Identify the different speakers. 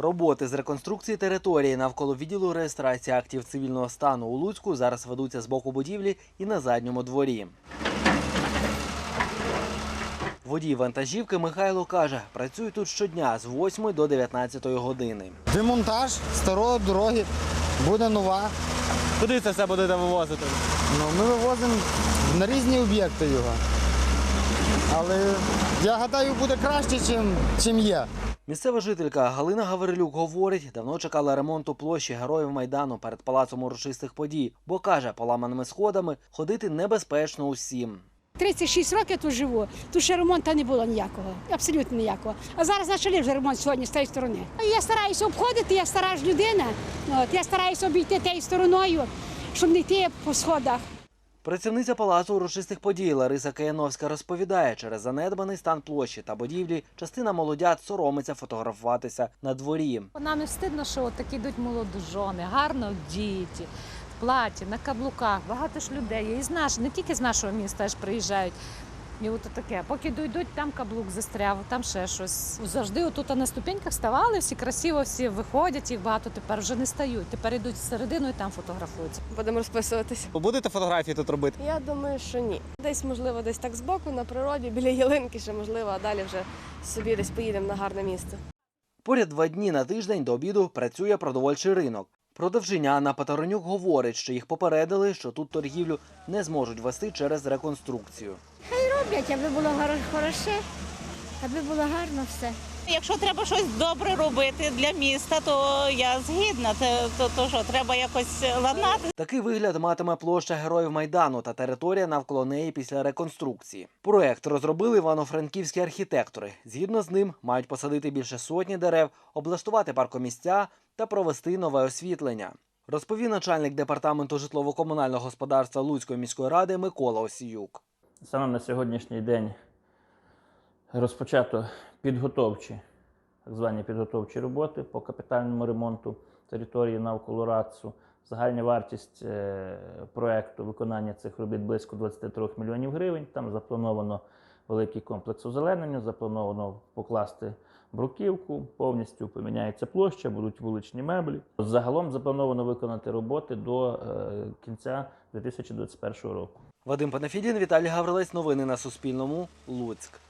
Speaker 1: Роботи з реконструкції території навколо відділу реєстрації актів цивільного стану у Луцьку зараз ведуться з боку будівлі і на задньому дворі. Водій вантажівки Михайло каже, працює тут щодня з 8 до 19 години.
Speaker 2: Демонтаж старої дороги, буде нова.
Speaker 3: Куди це все будете вивозити?
Speaker 2: Ми вивозимо на різні об'єкти його. Але я гадаю, буде краще, чим є.
Speaker 1: Місцева жителька Галина Гаврилюк говорить, давно чекала ремонту площі Героїв Майдану перед Палацом урочистих подій, бо, каже, поламаними сходами ходити небезпечно усім.
Speaker 4: 36 років тут живу, тут ще ремонту не було ніякого, абсолютно ніякого. А зараз почали вже ремонт сьогодні з тієї сторони. Я стараюся обходити, я стара ж людина, я стараюся обійти тією стороною, щоб не йти по сходах.
Speaker 1: Працівниця Палацу урочистих подій Лариса Кияновська розповідає, через занедбаний стан площі та будівлі частина молодят соромиться фотографуватися на дворі.
Speaker 5: Нам не встидно, що такі йдуть молодожони, гарно вдіті, в платі, на каблуках. Багато ж людей є, не тільки з нашого міста аж приїжджають. І от таке, поки дійдуть, там каблук застряв, там ще щось. Завжди отут на ступеньках ставали, всі красиво, всі виходять, їх багато тепер вже не стають. Тепер йдуть всередину і там фотографуються.
Speaker 6: Будемо розписуватися.
Speaker 3: Будете фотографії тут робити?
Speaker 6: Я думаю, що ні. Десь, можливо, десь так збоку, на природі, біля ялинки ще, можливо, а далі вже собі десь поїдемо на гарне місце.
Speaker 1: Поряд 2 дні на тиждень до обіду працює продовольчий ринок. Продавчиня Анна Патаронюк говорить, що їх попередили, що тут торгівлю не зможуть вести через реконструкцію.
Speaker 7: Роблять, аби було хороше, аби було гарно все.
Speaker 8: Якщо треба щось добре робити для міста, то я згідна. То що, треба якось ладнати.
Speaker 1: Такий вигляд матиме площа Героїв Майдану та територія навколо неї після реконструкції. Проект розробили івано-франківські архітектори. Згідно з ним, мають посадити більше сотні дерев, облаштувати паркомісця та провести нове освітлення. Розповів начальник департаменту житлово-комунального господарства Луцької міської ради Микола Осіюк.
Speaker 9: Саме на сьогоднішній день розпочато підготовчі, так звані підготовчі роботи по капітальному ремонту території навколо РАЦу. Загальна вартість проєкту виконання цих робіт близько 23 мільйонів гривень. Там заплановано великий комплекс озеленення, заплановано покласти бруківку, повністю поміняється площа, будуть вуличні меблі. Загалом заплановано виконати роботи до кінця 2021 року.
Speaker 1: Вадим Панафідін, Віталій Гаврилець. Новини на Суспільному. Луцьк.